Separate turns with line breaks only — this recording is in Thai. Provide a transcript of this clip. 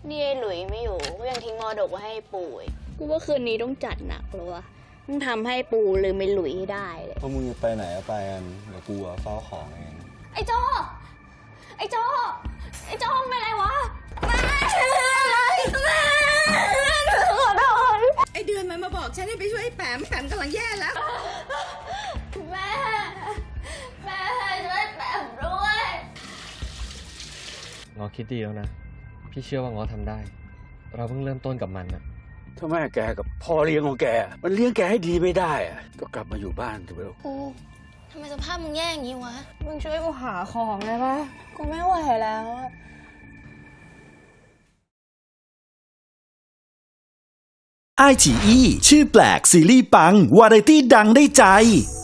นี่ไอ้หลุยไม่อยู่ก็ยังทิ้งมรดกไว้ให้ปู่อีกกูว่าคืนนี้ต้องจัดหนักเลยวะต้องทำให้ปู่ลืมไอ้หลุยให้ได้เลย
พวกมึงจะไปไหนก็ไปกันเดี๋ยวกูเฝ้าของเอง
ไอ้โจไอ้โจไอ้โจเป็นไรวะแม่ขอโทษ
ไอเดือนมันมาบอกฉันให้ไปช่วยไอ้แปมกำลังแย่แล้ว
แม่ช่วยแปมด้วย
ง้อคิดดีแล้วนะพี่เชื่อว่าง้อทำได้เราเพิ่งเริ่มต้นกับมันนะ
ถ้าแม่แกกับพ่อเลี้ยงของแกมันเลี้ยงแกให้ดีไม่ได้อะก็กลับมาอยู่บ้านเถอะลูก
กูทำไมสภาพมึงแย่อย่างนี้วะ
มึงช่วยกูหาของได้ปะกูไม่ไหวแล้วอะ
ไอฉีอีชื่อแปลกซีรีส์ปังวาไรตี้ดังได้ใจ